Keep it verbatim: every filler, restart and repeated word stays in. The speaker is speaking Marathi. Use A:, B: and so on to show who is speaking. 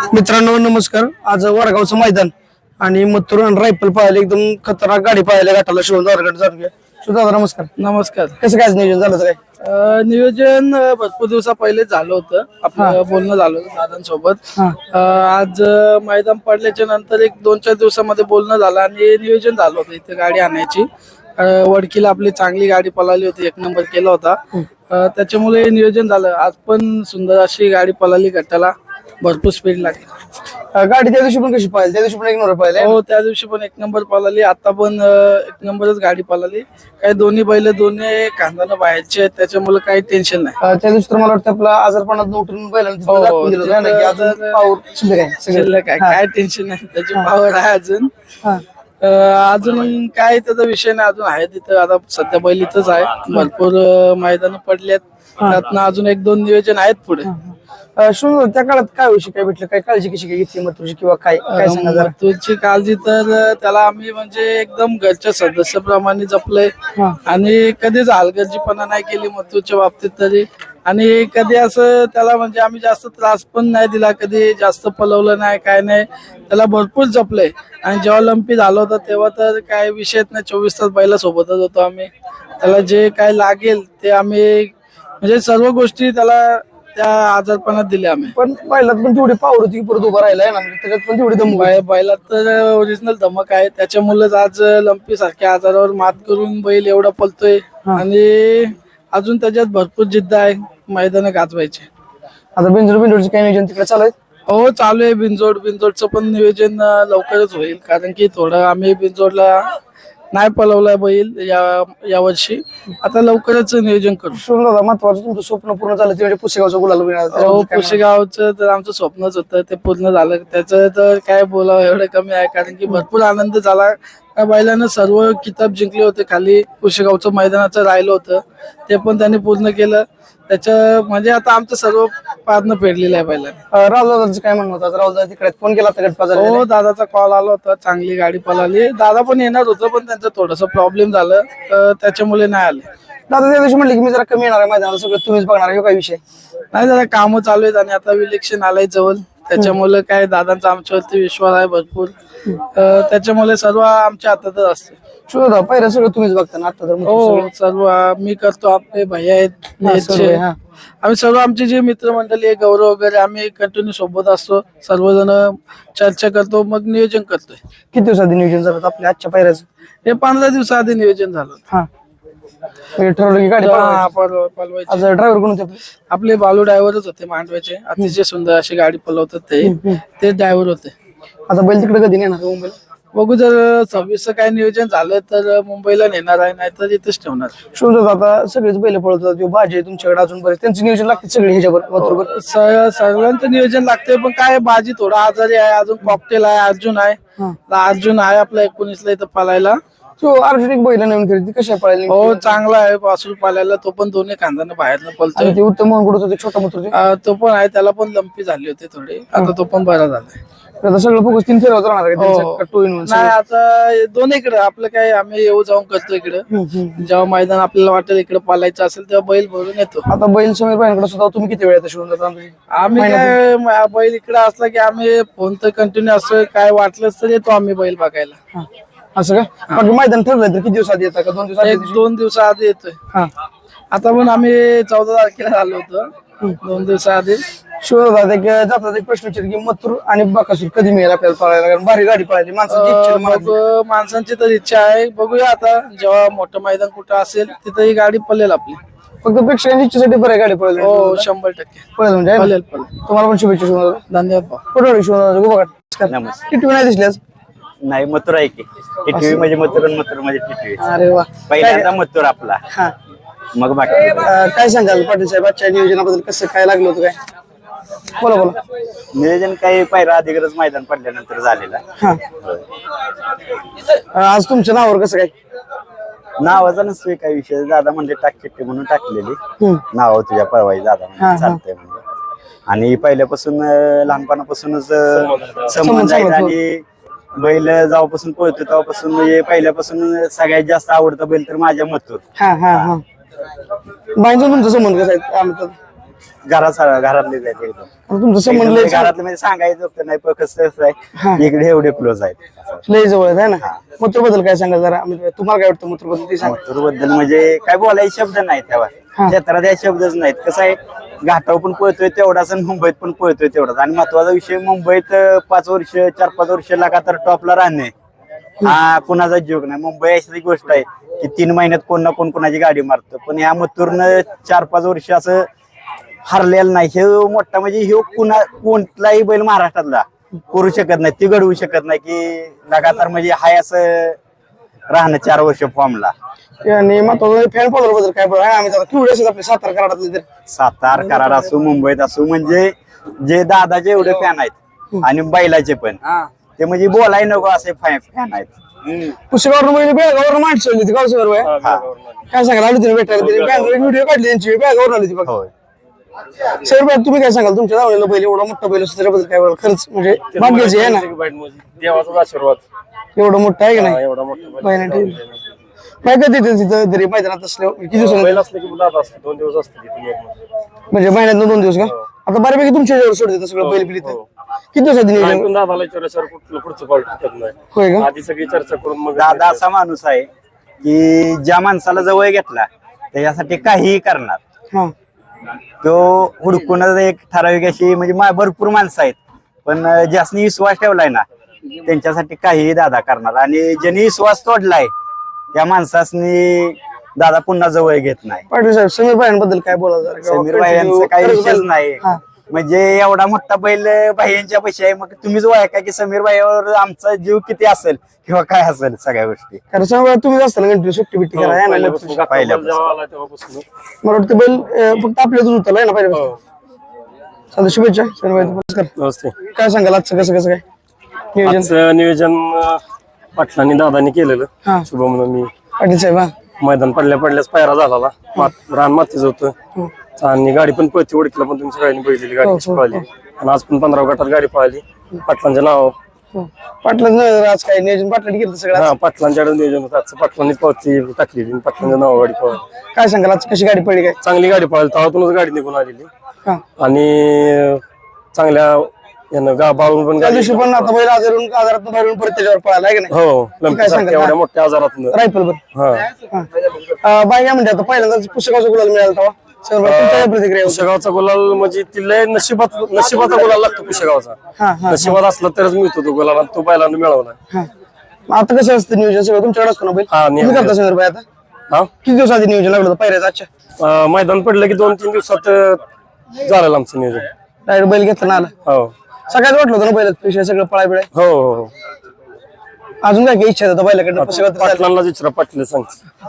A: मित्रांनो नमस्कार. आज वडगावचं मैदान आणि मथुर आणि रायफल पाहायला एकदम खतरनाक गाडी पाहायला घाटाला शिवून दारगड जाऊन घ्या. सुद्धा नमस्कार.
B: नमस्कार.
A: कसं काय नियोजन झालं होतं काय?
B: अ, नियोजन अ, भरपूर दिवसा पहिले झालं होतं. आपलं बोलणं झालं होतं दादांसोबत.
A: हा.
B: अ, आज अ, मैदान पडल्याच्या नंतर एक दोन चार दिवसामध्ये बोलणं झालं आणि नियोजन झालं होतं इथे गाडी आणायची. अ, वडकीला आपली चांगली गाडी पळाली होती, एक नंबर केला होता. अ, त्याच्यामुळे नियोजन झालं. आज पण सुंदर अशी गाडी पळाली गटाला, भरपूर स्पीड लागली.
A: अं, गाडी त्या दिवशी पण कशी पाहिली? त्या दिवशी पण एक नंबर पाहिले.
B: हो, त्या दिवशी पण एक नंबर पळाली, आता पण अ, एक नंबरच गाडी पळाली. काही दोन्ही बैल दोन्ही खांदानं बाहेरचे आहेत, त्याच्यामुळे काही टेन्शन नाही.
A: त्या दिवशी तर मला वाटतं आपला आजारपणात उठून बैलांना
B: हो,
A: दाखवून दिलं होतं ना, की अजून
B: तर-
A: पाऊर शिल्लक आहे सगळं.
B: शिल्लक आहे, काय टेन्शन नाही, त्याची पावर आहे अजून.
A: हा.
B: अ, अजून काय त्याचा विषय नाही, अजून आहे तिथं. आता सध्या बैल इथंच आहे, भरपूर मैदान पडलेत, त्यातनं अजून एक दोन नियोजन आहेत पुढे.
A: अं, सुंदर. त्या काळात काय विषय काय भेटलं, काय काळजी कशी काय घेतली मथुरची किंवा काय काय सांगा जरा.
B: तुझी काळजी तर त्याला आम्ही म्हणजे एकदम घरच्या सदस्याप्रमाणे जपलंय
A: हा.
B: आणि कधीच हलगर्जीपणा नाही केली मथुरच्या बाबतीत तरी. आणि कधी असं त्याला म्हणजे आम्ही जास्त त्रास पण नाही दिला, कधी जास्त पलवलं नाही, काय नाही. त्याला भरपूर जपलंय. आणि जेव्हा लंपी झालं होतं तेव्हा तर काय विषयच नाही, चोवीस तास बैला सोबतच होतो आम्ही. त्याला जे काय लागेल ते आम्ही म्हणजे सर्व गोष्टी त्याला त्या आजारपणात दिल्या आम्ही.
A: पण बैलात पण तेवढी पावर होती की परत उभा राहिलाय ना, त्याच्यात पण तेवढी दम
B: बै- बैलात तर ओरिजिनल धमक आहे, त्याच्यामुळेच आज लंपी सारख्या आजारावर मात करून बैल एवढा पलतोय. आणि अजून त्याच्यात भरपूर जिद्द आहे मैदान गाजवायचे.
A: आता बिंजोड बिंजोडचं काय नियोजन तिकडे चालू आहे?
B: हो, चालू आहे. बिनजोड बिनजोडचं पण नियोजन अं, लवकरच होईल, कारण की थोडं आम्ही बिनजोडला नाही पळवलाय बैल या यावर्षी. आता लवकरच नियोजन करू.
A: सुंदर दादा, महत्वाचं तुमचं स्वप्न पूर्ण झालं ते म्हणजे पुसेगावचं गुलाल मिळालं.
B: हो,
A: त्याच्याबद्दल काय
B: पुशेगावचं तर आमचं स्वप्नच होतं, ते पूर्ण झालं. त्याचं तर काय बोलावं एवढं कमी आहे, कारण की भरपूर आनंद झाला. त्या बैलानं सर्व किताब जिंकले होते खाली. पुशेगावचं मैदानाचं राहिलं होतं, ते पण त्यांनी पूर्ण केलं. त्याच्या म्हणजे आता आमचं सर्व पारणं फेडलेलं आहे बैलाने.
A: अं, राहुल दादाचं काय म्हणणं होतं? राहुल दादा तिकडे फोन केला होता गटपा झाला.
B: हो, दादाचा कॉल आला होता, चांगली गाडी पळाली. दादा पण येणार होतं, पण त्यांचं थोडस प्रॉब्लेम झालं, तर त्याच्यामुळे नाही आले.
A: दादा त्या दिवशी म्हणले की मी जरा कमी येणार आहे मैदानाला, सगळं तुम्हीच बघणार आहे. काय विषय?
B: नाही, जरा कामं चालू आहेत आणि आता इलेक्शन आलंय जवळ, त्याच्यामुळे काय दादांचा आमच्यावरती विश्वास आहे भरपूर. अं, त्याच्यामुळे सर्व आमच्या हातातच असते.
A: सुंदर दादा, पहिलं सगळं तुम्हीच बघता ना आता तर मग
B: हो,
A: सगळं?
B: सर्व मी करतो, आपले भैया आहेत
A: हा, सर्व
B: नेटचे.
A: आहे, हा.
B: आम्ही सर्व आमचे जे मित्रमंडळी आहे, गौरव वगैरे, आम्ही कंटिन्यू सोबत असतो, सर्वजण चर्चा करतो, मग नियोजन करतोय.
A: किती दिवसाआधी नियोजन झालं आपल्या आजच्या पायऱ्याचं?
B: हे पंधरा दिवसाआधी नियोजन झालं.
A: हा, म्हणजे ठरवलं की गाडी पळवायची.
B: हा, पळव- पळवायची.
A: आज ड्रायव्हर कोण होते आपले?
B: आपले बालू ड्रायव्हरच होते मांडव्याचे, अतिशय सुंदर अशी गाडी पळवतात ते ते ड्रायव्हर होते.
A: आता बैल तिकडे कधी नेणार आहे मुंबईला?
B: बघू, जर सव्वीस काय नियोजन झालं तर मुंबईला नेणार आहे, नाहीतर इथेच ठेवणार.
A: सुंदर आता सगळेच बैल पळवतात, जो भाजी आहे तुमच्याकडे अजून बरेच, त्यांचं नियोजन लागते सगळे ह्याच्यावर बरोबर.
B: स- सर्वांचं नियोजन लागतंय, पण काय बाजी थोडा आजारी आहे, अजून कॉकटेल आहे, अर्जुन आहे. अर्जुन आहे आपला एकोणीसला इथं पळायला.
A: तो अर्जुन एक बैल नवीन खरेदी कशा पळायला?
B: हो, चांगला आहे वासरू पालायला, तो पण दोन्ही खांदानं बाहेरनं पळतोय.
A: आणि ते उत्तम म्हणून कुठं होते, छोटा मित्र होते.
B: अं, तो पण आहे, त्याला पण लंपी झाली होती थोडी, आता तो पण बरा झालाय.
A: आता सगळं फोकस तीन फेरवत राहणार आहे
B: हो.
A: त्यांचं टू इन वन.
B: नाही, आता दोन्ही इकडे आपलं काय, आम्ही येऊ जाऊन करतो इकडे. जेव्हा मैदान आपल्याला वाटेल इकडे पालायचं असेल तेव्हा बैल भरून येतो.
A: आता बैल समीर भाईंकडे सुद्धा तुम्ही किती वेळ येता शिवून जाता?
B: आम्ही काय म- बैल इकडे असला की आम्ही फोन तर कंटिन्यू असतोय, काय वाटलंच तर येतो आम्ही बैल बघायला.
A: असं का? बाकी मैदान ठरलंय तर किती दिवस आधी येतात का? दोन दिवस आधी?
B: एक दोन दिवसाआधी येतोय.
A: हा.
B: आता पण आम्ही चौदा तारखेला आलो होतो, दोन दिवसाआधी.
A: शिवदादा एक जातात एक प्रश्न विचार की मथुर आणि बकासूर कधी मिळेल आपल्याला पळायला? कारण भारी गाडी पळायची माणसाची इच्छा आहे मनात.
B: मग माणसांची तर इच्छा आहे, बघूया आता जेव्हा मोठं मैदान कुठं असेल तिथं ही गाडी पळेल आपली.
A: फक्त प्रेक्षकांची इच्छेसाठी बरं आहे गाडी पळायला.
B: हो, शंभर टक्के
A: पळेल म्हणजे आहे ना?
B: पळेल पळेल.
A: तुम्हाला पण शुभेच्छा शिवदादा.
B: धन्यवाद भाऊ.
A: कुठं शिवदादा गोबा
C: नमस्कार.
A: किती नाही दिसली आज?
C: नाही, मथुर आहे की टिटवी म्हणजे मथुर आणि मथुर म्हणजे टिटवी.
A: अरे वा.
C: पहिल्यांदा मथुर आपला,
A: हा.
C: मग बाकी.
A: अं, काय सांगाल पाटील साहेब आजच्या नियोजनाबद्दल? कसं काय लागलं होतं काय? बोला बोला.
C: नियोजन काही पहिला अधिकच मैदान पडल्यानंतर झालेला.
A: हा. अं, आज तुमच्या नावावर कसं काय?
C: नावाचा नसतोय काही विषय, दादा म्हणजे टाक चिठ्ठी म्हणून टाकलेली,
A: हम्म.
C: नाव तुझ्या पळवाई दादा
A: हा,
C: म्हणजे
A: हा.
C: चालतंय म्हणजे. आणि पहिल्यापासून अं, लहानपणापासूनच अं, संबंध आहेत. आणि बैल जेव्हापासून पळतो तेव्हापासून म्हणजे पहिल्यापासून सगळ्यात जास्त आवडता बैल तर माझ्या मथुर.
A: हा हा हा. बाईंचा तुमचा संबंध कसा आहे? आम्ही तर-
C: घरात घरातले आहेत एकदम.
A: आणि तुमचं संबंध लय
C: एकदम घरातले म्हणजे सांगायचं होतं नाही पण कसं कसं आहे इकडे एवढे क्लोज आहेत.
A: लय जवळ आहे ना. मथुर बद्दल काय सांगाल जरा म्हणजे तुम्हाला काय वाटतं मथुर बद्दल ते सांगा.
C: मथुर बद्दल म्हणजे काय बोलायचे शब्द नाहीत तेव्हा क्षेत्रात या शब्दच नाहीत. कसं आहे घाटावर पण पळतोय तेवढाच आणि मुंबईत पण पळतोय तेवढाच. आणि महत्वाचा विषय मुंबईत पाच वर्ष चार पाच वर्ष लगातार टॉपला राहणे हा कुणाचा जोग नाही. मुंबई अशी गोष्ट आहे की तीन महिन्यात कोण ना कोण कोणाची गाडी मारतं. पण या मथुरनं चार पाच वर्ष असं हरलेलं नाही. हे मोठा म्हणजे हे कुणा कोणताही बैल महाराष्ट्रातला करू शकत नाही ती घडवू शकत नाही की लगातार म्हणजे हाय असं राहणं चार वर्ष फॉर्मला.
A: आणि महत्वाचं फॅन फॉलोअर बद्दल काय बोला आम्ही जरा केवढे असतात आपले सातारा कराडातले तर
C: सातार कराड असो मुंबईत असो म्हणजे जे दादाचे एवढे फॅन आहेत आणि बैलाचे पण ते म्हणजे बोलाय नको असे फॅन आहेत.
A: पुस्तकावर म्हणजे बॅगावर माणसं होती गावसर काय सांगाल आली तुम्ही भेटायला व्हिडिओ काढली त्यांची बॅगावर आली ती बघा. सर बाय तुम्ही काय सांगाल तुमच्या धावलेला बैल एवढा मोठा बैल असतो त्याबद्दल काय बोला. खरंच म्हणजे भाग्याची आहे ना
D: देवाचा आशीर्वाद
A: एवढं मोठं आहे की नाही
D: एवढा मोठा
A: बैल ठीक काय कधी तिथं तरी मैदानात असल्यावर किती दिवसांनी
D: बैल असले की दादा असते दोन दिवस असते तिथे एक मध्ये.
A: म्हणजे महिन्यात दोन दिवस का आता बऱ्यापैकी तुमच्या जवळ सोडत येतं सगळं बैल बिल इथं. किती दिवसात
D: नाही
A: नियोजन
D: पण दादाला विचारल्याशिवाय कुठलं पुढचं पाऊल टाकत नाही.
A: होय का
D: आधी सगळी चर्चा करून मग
C: दादा असा माणूस आहे की ज्या माणसाला जवळ घेतला त्याच्यासाठी काहीही करणार.
A: हा
C: तो हुडकून एक ठराविक अशी म्हणजे मा- भरपूर माणसं आहेत पण ज्यासनी विश्वास ठेवलाय ना त्यांच्यासाठी काहीही दादा करणार. आणि ज्यांनी विश्वास तोडलाय त्या माणसासनी दादा पुन्हा जवळ घेत नाही.
A: पाटील साहेब समीर भाईंबद्दल काय बोला जरा
C: समीर भाई यांचा काही विषयच नाही. म्हणजे एवढा मोठा बैल भाईंच्या पैसे आहे मग तुम्हीच ओळखा की समीर भाईवर आमचा जीव किती असेल किंवा काय असेल सगळ्या गोष्टी.
A: कारण समीर तुम्ही असताना कंटिन्यू सुट्टी बिट्टी करा है ना.
D: पहिल्यापासून
C: पहिल्यापासून.
D: पहिल्यापासून जेव्हा आला तेव्हापासून
A: मला वाटतं बैल अं, फक्त आपल्यातच होता आहे ना पहिल्यापासून. चालतं शुभेच्छा समीर भाई नमस्कार.
D: नमस्ते.
A: काय सांगाल आजचं कसं कसं काय नियोजन
D: आजचं नियोजन अं, पाटलांनी दादानी केलेलं
A: हा
D: शुभ म्हणून मी
A: पाटील साहेब हा
D: मैदान पडल्या पडल्याच पायरा झाला रान मातीच होतं
A: हो.
D: आणि गाडी पण पळती ओळखीला पण तुम्ही सगळ्यांनी बघितलेली गाडी कशी पळाली आणि आज पण पंधरा गटात गाडी पळाली पाटलांच्या नाव.
A: हो. पाटलाच नाही आज काय नियोजन पाटलाने केलं सगळं
D: हा पाटलांच्याकडे नियोजन होतं आजचं पाटलांनी पावती टाकलेली आणि पाटलांच्या नाव गाडी पळाली.
A: काय सांगाल आज कशी गाडी पडली काय
D: चांगली गाडी पळाली तेव्हातूनच गाडी निघून आलेली
A: हा
D: आणि चांगल्या यानं गा बाळून पण
A: त्या
D: गाडी
A: दिवशी पण आता बैल आजारून आजारात बाहेरून परत त्याच्यावर पळाला आहे की नाही
D: हो लंपीसारख्या एवढ्या मोठ्या आजारातून
A: रायफल बर
D: हा
A: बाय काय म्हणते आता पहिल्यांदाच पुस्तकाचा गुलाल मिळाला तेव्हा सर तुमच्या काय प्रतिक्रिया होती?
D: कुशेगावचा गुलाल म्हणजे ती लय नशिबात नशिबाचा गुलाल लागतो कुशेगावचा.
A: हा हा
D: नशिबात असला तरच मिळतो तो गुलाल आणि तो बैलांना मिळवला.
A: हा मग आता कसं असतं नियोजन सगळं तुमच्याकडे असतो ना बैल
D: हा
A: तुम्ही
D: नियोजन.
A: करता सर बाय आता
D: हा
A: किती दिवस आधी नियोजन लागलं होतं पायऱ्याचं आजच्या
D: अं, मैदान पडलं की दोन तीन दिवसात अं, झालं आमचं नियोजन.
A: डायरेक्ट बैल घेतला ना आला
D: हो
A: सगळ्यात वाटलं होतं ना बैलात पेशा सगळं पळाय बिळाय
D: हो हो
A: अजून काय काय इच्छा होता बैलाकडनं पुस्तकात
D: पाटलांना विचारा पाटील सांग.